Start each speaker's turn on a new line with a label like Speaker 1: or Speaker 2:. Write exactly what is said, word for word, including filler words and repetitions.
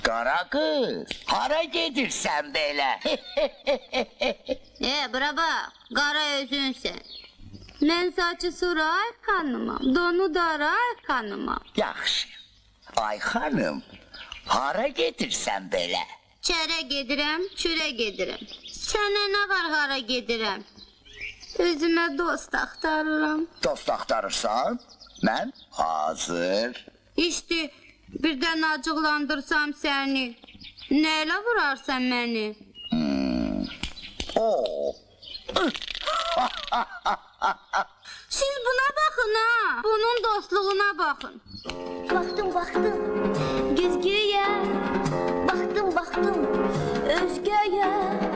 Speaker 1: Qara qız, hara gedirsən belə?
Speaker 2: E, bura bax, qara özünsən. Mən saçı sura ay xanımam, donu dara ay xanımam.
Speaker 1: Yaxşı, ay xanım, hara gedirsən belə?
Speaker 2: Çərə gedirəm, çürə gedirəm. Sənə nə var hara gedirəm? Özümə dost axtarıram.
Speaker 1: Dost axtarırsan? Mən hazır.
Speaker 2: İşte, birdən acıqlandırsam səni. Nəylə vurarsan məni?
Speaker 1: Hmm. Oo.
Speaker 2: Siz buna baxın ha, bunun dostluğuna baxın.
Speaker 3: Baxdım, baxdım, güzgüyə, baxdım, baxdım, özgəyə.